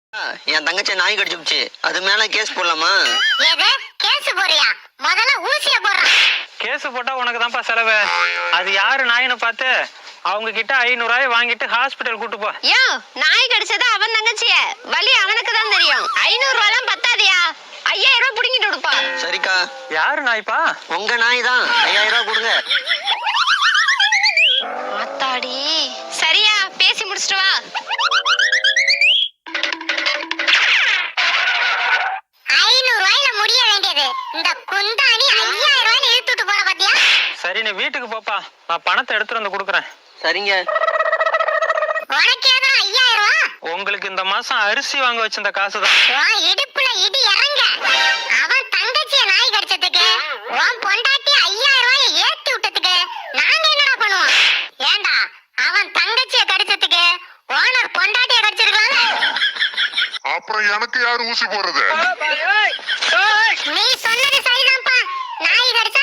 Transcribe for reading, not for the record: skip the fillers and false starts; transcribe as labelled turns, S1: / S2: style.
S1: என் தங்கச்சி நாய் கடிச்சுச்சு, அது மேல கேஸ் போடலாமா?
S2: கேஸ் போறியா? முதல்ல ஊசிய போடுறா.
S3: கேஸ் போட்டா உனக்கு தான்ப்பா செலவு. அது யாரு நாயின்னு பார்த்து அவங்க கிட்ட 500 ரூபாய் வாங்கிட்டு ஹாஸ்பிட்டல் கூட்டு போ.
S2: யோ, நாய் கடிச்சது அவன் தங்கச்சிய, வலி அவனுக்கு தான் தெரியும். 500 ரூபாய்லாம் பத்தாதியா? 5000 ரூபாய் புடிங்கிட்டு கொடுப்பா.
S1: சரிக்கா.
S3: யாரு நாய்ப்பா?
S1: உங்க நாய் தான். 5000 ரூபாய் கொடுங்க.
S2: ஆத்தாடி. சரியா, பேசி முடிச்சிட்டு வா. 500 ரூபாயில முடிய வேண்டியது இந்த குந்தாணி 5000 ரூபாய் இழுத்துட்டு போற பாத்தியா?
S3: சரி, நீ வீட்டுக்கு போப்பா, நான் பணத்தை எடுத்துட்டு வந்து கொடுக்குறேன்.
S1: சரிங்க.
S2: உனக்கு ஏதா 5000 ரூபாய்?
S3: உங்களுக்கு இந்த மாசம் அரிசி வாங்க வச்சிருந்த காசுதான்.
S2: உன் இடுப்புல இடி இறங்க. அவன் தங்கச்சிய நாய் கடிச்சதுக்கு உன் பொண்டாட்டி 5000 ரூபாய் ஏத்தி விட்டதுக்கு நாங்க என்னடா பண்ணுவோம்? ஏண்டா, அவன் தங்கச்சிய கடிச்சதுக்கு ஓனர் பொண்டாட்டிய கடிச்சிருக்கலாம்ல?
S4: அப்புறம் எனக்கு யாரு ஊசி போடுறது?
S2: நீ சொன்னது சரிதான்ப்பா. நாய் கடிச்ச